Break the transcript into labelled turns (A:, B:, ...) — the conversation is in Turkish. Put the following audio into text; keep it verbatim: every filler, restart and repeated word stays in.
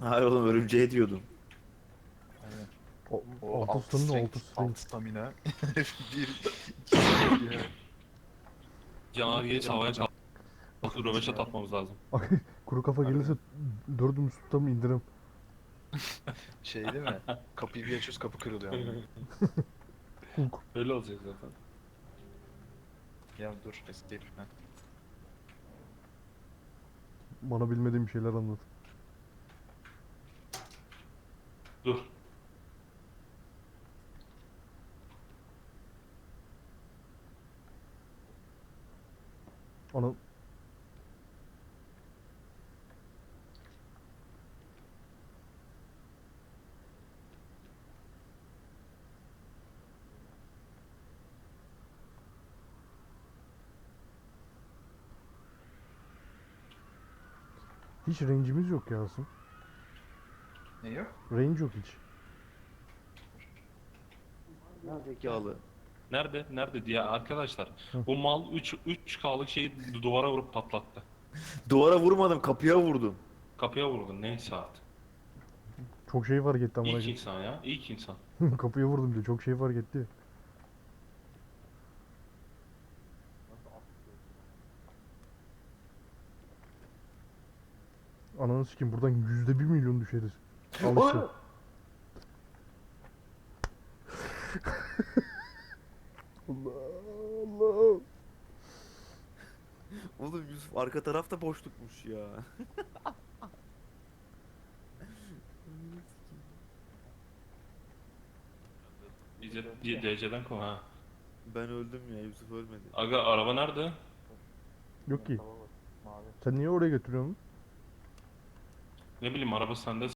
A: Hayır oğlum, örümceğe diyordum.
B: Aynen.
C: O,
B: O
C: altı
B: alt
C: stamina,
B: strength,
C: altı strength.
B: alt stamina. Bir, iki strength ya.
D: Canavar gelirse havaya kalkıp
B: Kafamız
D: röveşat
B: ya.
D: atmamız lazım.
C: Kuru kafa
B: Harbi.
C: gelirse dördümüz tutam indirim.
B: Şey değil mi? Kapıyı bir açıyoruz, kapı kırılıyor ama.
C: Hulk.
D: Öyle olacak zaten.
B: Ya dur, escape. Ha.
C: Bana bilmediğim şeyler anlat.
D: Dur.
C: Ana... Hiç range'imiz yok ya Asım.
B: Ne yok?
C: Range yok hiç.
A: Zekalı.
D: Nerede? Nerede diye arkadaşlar.
C: Hı.
D: O mal üç üç klık şeyi duvara vurup patlattı.
A: Duvara vurmadım, kapıya vurdum.
D: Kapıya vurdun neyse artık.
C: Çok şey fark etti amına
D: İlk insan ya. İlk insan.
C: koyayım. Kapıya vurdum diyor. Çok şey fark etti. Ananı sikeyim, buradan yüzde bir milyon düşeriz. Al işte. Allah Allah.
A: Oğlum Yusuf, arka tarafta boşlukmuş ya.
D: Bize D C'den kov ha.
A: Ben öldüm ya, Yusuf ölmedi.
D: Aga araba nerede?
C: Yok ki. Sen niye oraya götürüyorsun?
D: Ne bileyim araba sende